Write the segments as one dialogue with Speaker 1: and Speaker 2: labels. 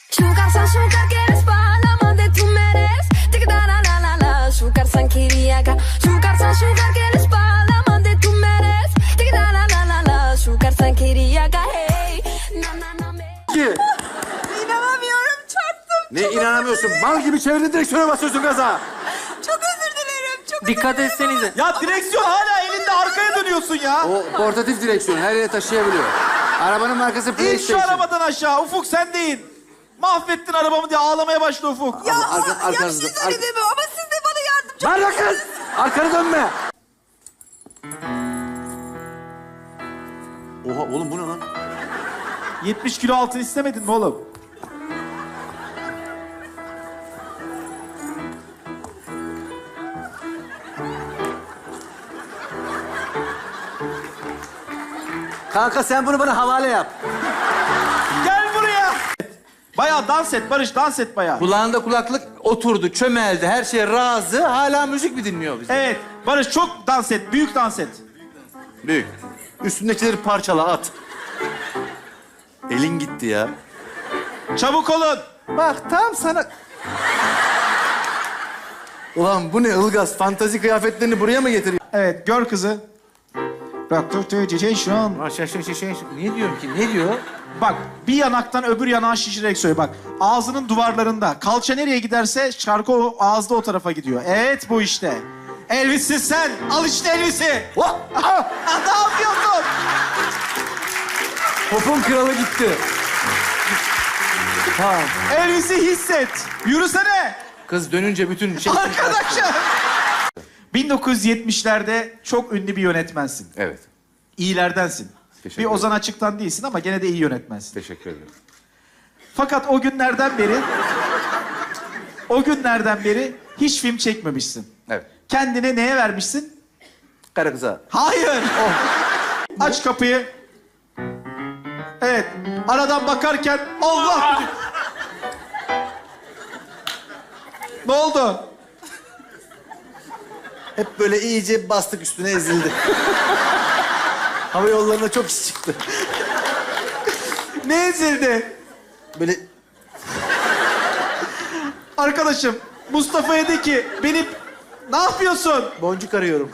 Speaker 1: Sugar quieres para el amor de tu meres. Tica la la la la. Sugar san quería acá. Sugar quieres para el amor de tu meres. Tica la la la la. Sugar san quería acá. Hey. Na na na me.
Speaker 2: İnanamıyorum, çarptım.
Speaker 3: Ne inanamıyorsun? Mal gibi çevirdin direksiyona basıyorsun gaza.
Speaker 2: Çok özür dilerim, çok
Speaker 4: Dikkat etsenize.
Speaker 5: Ya direksiyon hala elinde, arkaya dönüyorsun ya.
Speaker 3: O portatif direksiyon her yere taşıyabiliyor. Arabanın markası
Speaker 5: İn şu
Speaker 3: PlayStation.
Speaker 5: arabadan aşağı. Ufuk sen de in. Mahvettin arabamı diye ağlamaya başla Ufuk.
Speaker 2: Ya,
Speaker 3: arkanızda-
Speaker 2: ya siz öyle deme ama siz de bana yardımcı
Speaker 3: Ver lan kız! Arkanı dönme! Oha oğlum bu ne lan?
Speaker 5: 70 kilo altın istemedin mi oğlum?
Speaker 3: Kanka sen bunu bana havale yap.
Speaker 5: Gel buraya. Bayağı dans et Barış, dans et bayağı.
Speaker 4: Kulağında kulaklık oturdu, çömeldi. Her şeye razı. Hala müzik mi dinliyor bize?
Speaker 5: Evet Barış çok dans et, büyük dans et.
Speaker 3: Büyük. Üstündekileri parçala at. Elin gitti ya.
Speaker 5: Çabuk olun.
Speaker 3: Bak tam sana... Ulan bu ne Ilgaz? Fantazi kıyafetlerini buraya mı getiriyor?
Speaker 5: Evet gör kızı. Bak şu an.
Speaker 4: Ne diyorum ki? Ne diyor?
Speaker 5: Bak bir yanaktan öbür yanağa şişirerek söyle bak. Ağzının duvarlarında. Kalça nereye giderse şarkı o ağızda o tarafa gidiyor. Evet bu işte. Elvis'sin sen. Al işte Elvis'i.
Speaker 3: Oh! Ah!
Speaker 5: Ne yapıyorsun?
Speaker 3: Pop'un kralı gitti. Tamam.
Speaker 5: Elvis'i hisset. Yürüsene.
Speaker 4: Kız dönünce bütün şey...
Speaker 5: Arkadaşım. 1970'lerde çok ünlü bir yönetmensin.
Speaker 3: Evet.
Speaker 5: İyilerdensin.
Speaker 3: Teşekkür
Speaker 5: Bir
Speaker 3: ederim.
Speaker 5: Ozan Açık'tan değilsin ama gene de iyi yönetmensin.
Speaker 3: Teşekkür ederim.
Speaker 5: Fakat o günlerden beri hiç film çekmemişsin.
Speaker 3: Evet.
Speaker 5: Kendine neye vermişsin?
Speaker 3: Karı kıza.
Speaker 5: Hayır. Aç kapıyı. Evet. Aradan bakarken Allah. Ne oldu?
Speaker 3: Hep böyle iyice bastık üstüne ezildi. Hava yollarına çok iş çıktı.
Speaker 5: Ne ezildi?
Speaker 3: Böyle
Speaker 5: Arkadaşım Mustafa'ya de ki benim ne yapıyorsun?
Speaker 3: boncuk arıyorum.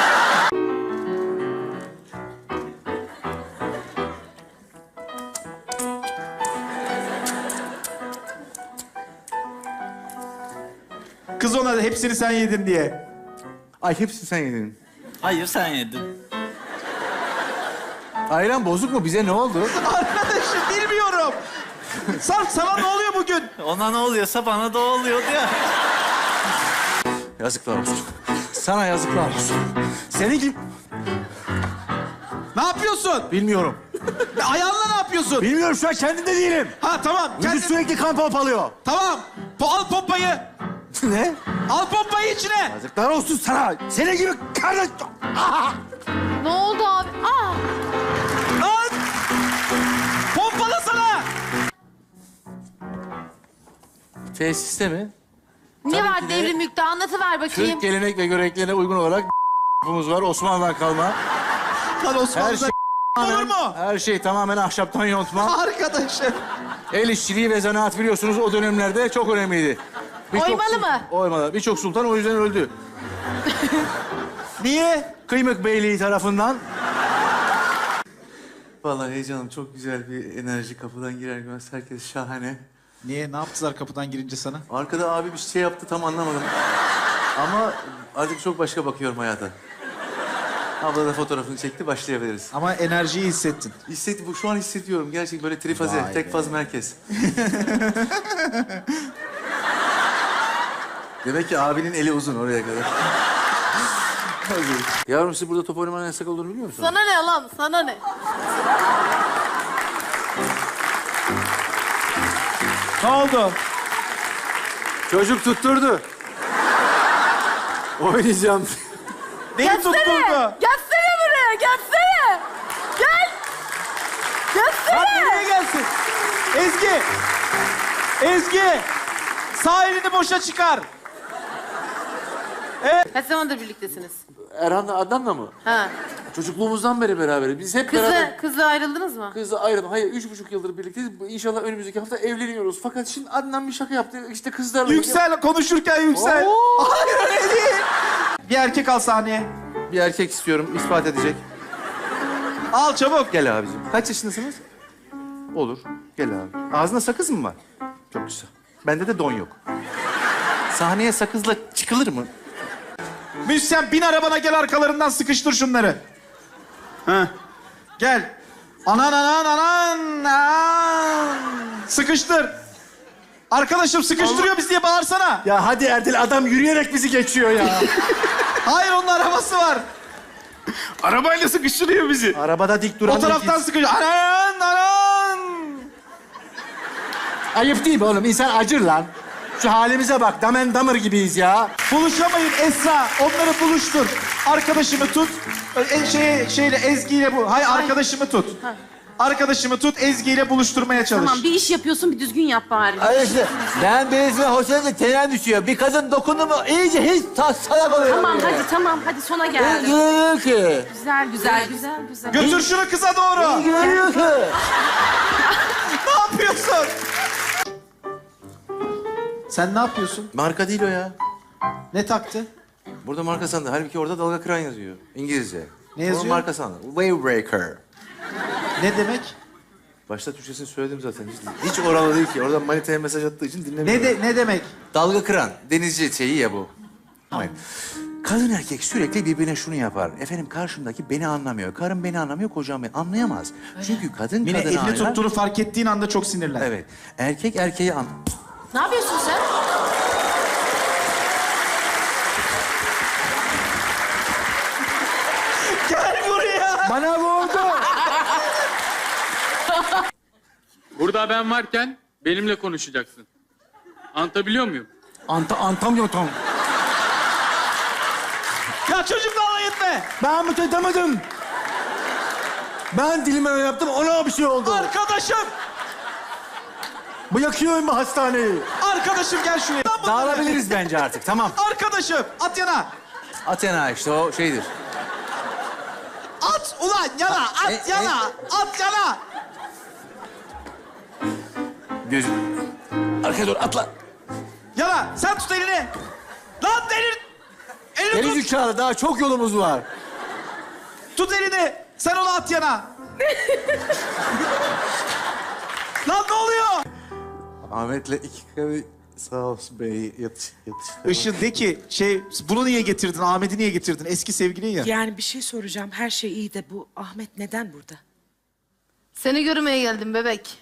Speaker 5: Kız ona da hepsini sen yedin diye.
Speaker 3: Ay hepsini sen yedin.
Speaker 4: Hayır sen yedin.
Speaker 3: Ayran bozuk mu? Bize ne oldu?
Speaker 5: Arkadaşım bilmiyorum. Sarp sana ne oluyor bugün?
Speaker 4: Ona ne oluyorsa bana da oluyordu ya.
Speaker 3: Yazıklar olsun. Sana yazıklar olsun. Senin gibi...
Speaker 5: Ne yapıyorsun?
Speaker 3: Bilmiyorum.
Speaker 5: Ayağınla ne yapıyorsun?
Speaker 3: Bilmiyorum şu an kendimde değilim.
Speaker 5: Ha tamam.
Speaker 3: Vücut sürekli kan pompalıyor.
Speaker 5: Tamam. Al pompayı.
Speaker 3: Ne?
Speaker 5: Al pompayı içine.
Speaker 3: Yazıklar olsun sana. Senin gibi kardeş...
Speaker 6: Ne oldu abi? Aa!
Speaker 5: Lan. Pompalasana.
Speaker 4: Tesiste mi?
Speaker 6: Ne var
Speaker 4: ki de-
Speaker 6: devrim yükte? Anlatıver bakayım.
Speaker 3: Türk gelenek ve göreneklerine uygun olarak var. Osmanlı'dan kalma.
Speaker 5: Lan Osmanlı'da
Speaker 3: Her şey
Speaker 5: olur mu?
Speaker 3: Her şey tamamen ahşaptan yontma.
Speaker 5: Arkadaşım.
Speaker 3: El işçiliği ve zanaat biliyorsunuz o dönemlerde çok önemliydi.
Speaker 6: Oymalı mı?
Speaker 3: Oymalı. Birçok sultan o yüzden öldü.
Speaker 5: Niye?
Speaker 3: Kıymık Beyliği tarafından.
Speaker 7: Vallahi heyecanım çok güzel bir enerji kapıdan girer girmez herkes şahane.
Speaker 5: Niye? Ne yaptılar kapıdan girince sana?
Speaker 7: Arkada abi bir şey yaptı tam anlamadım. Ama artık çok başka bakıyorum hayata. Abla da fotoğrafını çekti başlayabiliriz.
Speaker 5: Ama enerjiyi hissettin.
Speaker 7: Bu şu an hissediyorum gerçekten böyle trifaze,
Speaker 5: Vay
Speaker 7: tek
Speaker 5: be.
Speaker 7: faz merkez. Demek ki abinin eli uzun oraya kadar.
Speaker 3: Yavrum siz burada top oynamanın yasak olduğunu biliyor musunuz?
Speaker 6: Sana ne lan? Sana ne?
Speaker 5: Ne oldu?
Speaker 3: Çocuk tutturdu. Oynayacağım.
Speaker 5: Neyi tutturdu?
Speaker 6: Gelsene buraya! Gelsene! Gel!
Speaker 5: Lan
Speaker 6: Gelsene!
Speaker 5: nereye gelsin? Ezgi! Ezgi! Sağ elini boşa çıkar.
Speaker 6: Kaç zamandır birliktesiniz?
Speaker 3: Erhan'la Adnan'la mı?
Speaker 6: Ha.
Speaker 7: Çocukluğumuzdan beri beraberiz. Biz hep beraber...
Speaker 6: Kızla ayrıldınız mı?
Speaker 7: Kızla ayrıldım. Hayır, 3,5 yıldır birlikteyiz. İnşallah önümüzdeki hafta evleniyoruz. Fakat şimdi Adnan bir şaka yaptı. İşte kızlarla...
Speaker 5: Yüksel, konuşurken yüksel.
Speaker 7: Oo!
Speaker 5: Hayır öyle değil. Bir erkek al sahneye.
Speaker 4: Bir erkek istiyorum, ispat edecek.
Speaker 5: Al çabuk.
Speaker 4: Gel abicim. Kaç yaşındasınız? Olur. Gel abi. Ağzında sakız mı var? Çok güzel. Bende de don yok. Sahneye sakızla çıkılır mı?
Speaker 5: Müzisyen bin arabana gel arkalarından sıkıştır şunları. Heh. Gel. Anan anan anan. Anan. Sıkıştır. Arkadaşım sıkıştırıyor bizi diye bağırsana.
Speaker 3: Ya hadi Erdil, adam yürüyerek bizi geçiyor ya.
Speaker 5: Hayır onun arabası var.
Speaker 3: Arabayla sıkıştırıyor bizi. Arabada dik duran...
Speaker 5: O taraftan sıkıştır. Anan anan.
Speaker 3: Ayıp değil mi oğlum? İnsan acır lan. Şu halimize bak. Damen damır gibiyiz ya.
Speaker 5: Buluşamayın Esra. Onları buluştur. Arkadaşımı tut. Şeyle Ezgi ile bu. Hayır arkadaşımı tut. Arkadaşımı tut, Ezgi ile buluşturmaya çalış.
Speaker 6: Tamam bir iş yapıyorsun bir düzgün yap bari.
Speaker 8: Hayır işte ben birisine hoşlanınca tenen düşüyor. Bir kadın dokundu mu iyice hiç salak oluyor.
Speaker 6: Tamam hadi sona geldi.
Speaker 8: Güveniyor ki.
Speaker 6: Güzel.
Speaker 5: Götür şunu kıza doğru.
Speaker 8: Güveniyor ki.
Speaker 5: Ne yapıyorsun? Sen ne yapıyorsun?
Speaker 7: Marka değil o ya.
Speaker 5: Ne taktı?
Speaker 7: Burada marka sandı. Halbuki orada dalga kıran yazıyor. İngilizce.
Speaker 5: Ne yazıyor?
Speaker 7: Sonra marka sandı. Wave breaker.
Speaker 5: Ne demek?
Speaker 7: Başta Türkçesini söyledim zaten. Hiç oralı değil ki. Oradan manitaya mesaj attığı için dinlemiyorum.
Speaker 5: Ne demek?
Speaker 4: Dalga kıran, denizci şeyi ya bu. Hayır. Kadın erkek sürekli birbirine şunu yapar. Efendim karşımdaki beni anlamıyor. Karım beni anlamıyor, kocam beni anlayamaz. Çünkü kadın
Speaker 5: Mine
Speaker 4: kadını
Speaker 5: elini
Speaker 4: anlar.
Speaker 5: tuttuğunu fark ettiğin anda çok sinirlen.
Speaker 4: Evet. Erkek erkeği
Speaker 6: Ne yapıyorsun sen?
Speaker 5: Gel buraya.
Speaker 8: Bana vurdu.
Speaker 9: Burada ben varken benimle konuşacaksın. Anlatabiliyor muyum?
Speaker 8: Antamıyorum.
Speaker 5: Ya çocukla alay etme.
Speaker 8: Ben mütedemadım. Ben dilime öyle yaptım, ona bir şey oldu.
Speaker 5: Arkadaşım.
Speaker 8: Bırakıyorum bu hastaneyi.
Speaker 5: Arkadaşım gel şuraya.
Speaker 4: dağılabiliriz bence artık. Tamam.
Speaker 5: Arkadaşım at yana.
Speaker 4: Athena işte o şeydir.
Speaker 5: At ulan yana. At yana. At yana.
Speaker 4: Göz. Arkaya doğru atla.
Speaker 5: Yana. Sen tut elini. Lan elini
Speaker 8: Geri
Speaker 5: tut.
Speaker 8: zekalı, daha çok yolumuz var.
Speaker 5: Tut elini. Sen onu at yana. Lan ne oluyor?
Speaker 7: Ahmet'le iki kere sağ olsun bey yatış.
Speaker 5: Işın de ki bunu niye getirdin? Ahmet'i niye getirdin? Eski sevgilin ya.
Speaker 10: Yani bir şey soracağım. Her şey iyi de bu Ahmet neden burada?
Speaker 6: Seni görmeye geldim bebek.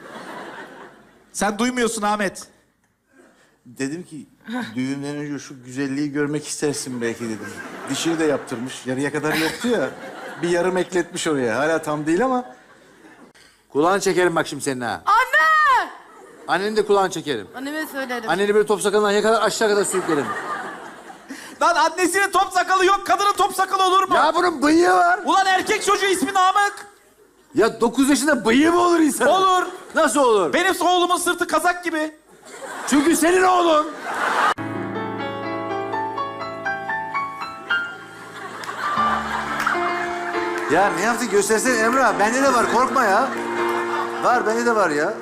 Speaker 5: Sen duymuyorsun Ahmet.
Speaker 7: Dedim ki düğünden önce şu güzelliği görmek istersin belki dedim. Dişini de yaptırmış. Yarıya kadar yaptı ya. Bir yarım ekletmiş oraya. Hala tam değil ama. Kulağını çekerim bak şimdi senin ha.
Speaker 6: Anne!
Speaker 7: Anneni de kulağını çekerim.
Speaker 6: Anneme söylerim.
Speaker 7: Anneni böyle top sakalından ya kadar aşağı kadar sürüklerim.
Speaker 5: Lan annesinin top sakalı yok. Kadının top sakalı olur mu?
Speaker 7: Ya bunun bıyığı var.
Speaker 5: Ulan erkek çocuğu ismi Namık.
Speaker 7: Ya 9 yaşında bıyığı mı olur insan?
Speaker 5: Olur.
Speaker 7: Nasıl olur?
Speaker 5: Benim oğlumun sırtı kazak gibi.
Speaker 7: Çünkü senin oğlun. Ya ne yaptın göstersene Emrah. Bende de var korkma ya. Var bende de var ya.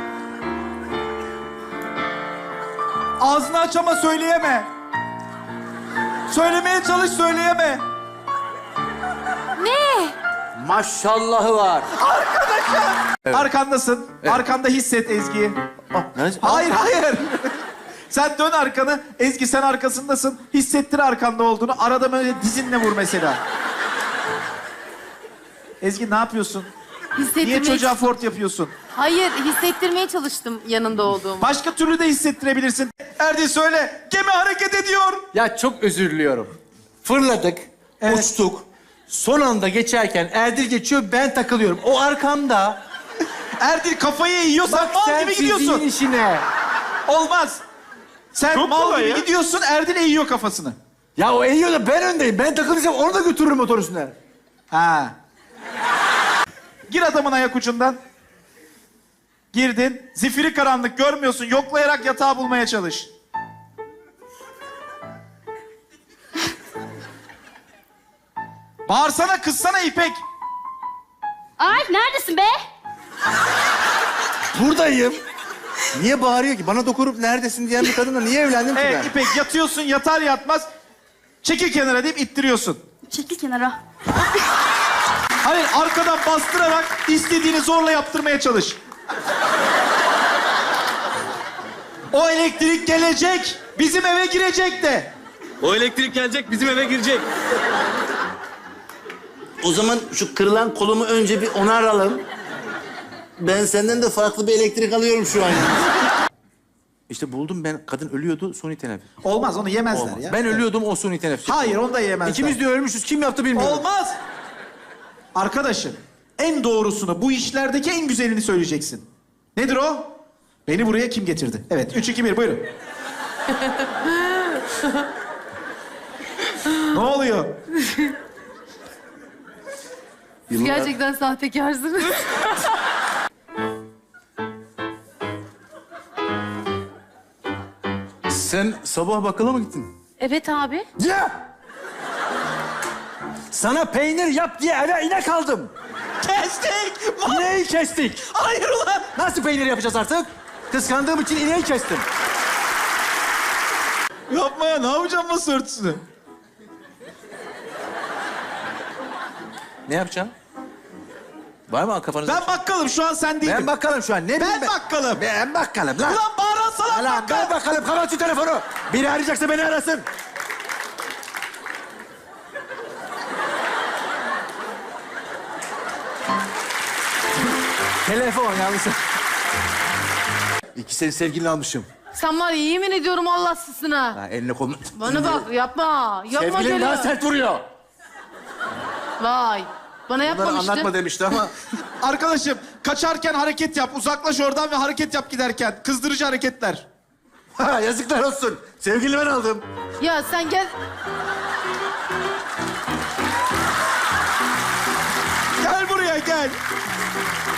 Speaker 5: Ağzını aç ama söyleyeme. Söylemeye çalış söyleyeme.
Speaker 8: Maşallahı var.
Speaker 5: Arkandasın. Arkanda hisset Ezgi'yi.
Speaker 7: Neresi?
Speaker 5: Hayır. Sen dön arkanı. Ezgi sen arkasındasın. Hissettir arkanda olduğunu. Arada böyle dizinle vur mesela. Ezgi ne yapıyorsun? Niye çocuğa fort yapıyorsun?
Speaker 6: Hayır hissettirmeye çalıştım yanında olduğumu.
Speaker 5: Başka türlü de hissettirebilirsin. Erdil söyle. Gemi hareket ediyor.
Speaker 4: Ya çok özür diliyorum. Fırladık,
Speaker 5: Evet.
Speaker 4: uçtuk. Son anda geçerken Erdil geçiyor, ben takılıyorum. O arkamda.
Speaker 5: Erdil kafayı eğiyorsan mal gibi gidiyorsun.
Speaker 4: işine.
Speaker 5: Olmaz. Sen
Speaker 3: Çok
Speaker 5: mal
Speaker 3: kolay
Speaker 5: gibi
Speaker 3: ya.
Speaker 5: gidiyorsun. Erdil eğiyor kafasını.
Speaker 8: Ya o eğiyor da ben öndeyim. Ben takılırsam onu da götürürüm motor üstüne.
Speaker 5: Ha. Gir adamın ayak ucundan. Girdin. Zifiri karanlık görmüyorsun. Yoklayarak yatağı bulmaya çalış. Bağırsana, kızsana İpek.
Speaker 1: Ay neredesin be?
Speaker 3: Buradayım.
Speaker 4: Niye bağırıyor ki? Bana dokunup neredesin diyen bir kadınla niye evlendim ki
Speaker 5: Evet
Speaker 4: ben?
Speaker 5: İpek, yatıyorsun, yatar yatmaz çekil kenara deyip ittiriyorsun.
Speaker 1: Çekil kenara.
Speaker 5: Hayır, arkadan bastırarak istediğini zorla yaptırmaya çalış. O elektrik gelecek, bizim eve girecek de.
Speaker 3: O elektrik gelecek, bizim eve girecek. O zaman şu kırılan kolumu önce bir onaralım. Ben senden de farklı bir elektrik alıyorum şu an.
Speaker 4: İşte buldum ben. Kadın ölüyordu, suni teneffüs.
Speaker 5: Olmaz, onu yemezler
Speaker 4: Olmaz.
Speaker 5: ya.
Speaker 4: Ben ölüyordum, o suni teneffüs.
Speaker 5: Hayır, onu da yemezler.
Speaker 4: İkimiz de ölmüşüz. Kim yaptı bilmiyorum.
Speaker 5: Olmaz. Arkadaşım, en doğrusunu, bu işlerdeki en güzelini söyleyeceksin. Nedir o? Beni buraya kim getirdi? Evet, 3, 2, 1, buyurun. Ne oluyor?
Speaker 6: Siz gerçekten sahtekarsınız.
Speaker 4: Sen sabah bakkala mı gittin?
Speaker 6: Evet abi.
Speaker 3: Ya! Sana peynir yap diye eve inek aldım.
Speaker 5: Kestik!
Speaker 3: İneği kestik.
Speaker 5: Hayır ulan!
Speaker 3: Nasıl peynir yapacağız artık? Kıskandığım için ineği kestim.
Speaker 5: Yapma ya, ne yapacağım masa örtüsünü?
Speaker 4: Ne yapacaksın? Var mı kafanızda?
Speaker 5: Ben bakkalım, şu an sen değilim.
Speaker 3: Ben bakalım şu an. Ne bileyim
Speaker 5: Ben bakkalım.
Speaker 3: Ben bakalım lan.
Speaker 5: Ulan bağıran salak
Speaker 3: Lan
Speaker 5: bakkal.
Speaker 3: ben bakalım. Kapat şu telefonu. Biri arayacaksa beni arasın. Telefon yalnız. İki seni sevgilini almışım.
Speaker 6: Sen var ya, yemin ediyorum Allahsızsına.
Speaker 3: Ha, eline kolunu...
Speaker 6: Bana bak, yapma. Yapma
Speaker 3: Sevgilin
Speaker 6: şöyle.
Speaker 3: daha sert vuruyor.
Speaker 6: Vay. Bana
Speaker 3: Bunları
Speaker 6: yapmamıştı.
Speaker 3: anlatma demişti ama...
Speaker 5: Arkadaşım, kaçarken hareket yap. Uzaklaş oradan ve hareket yap giderken. Kızdırıcı hareketler.
Speaker 3: Ha, yazıklar olsun. Sevgilini ben aldım.
Speaker 6: Ya sen gel.
Speaker 5: Gel buraya, gel.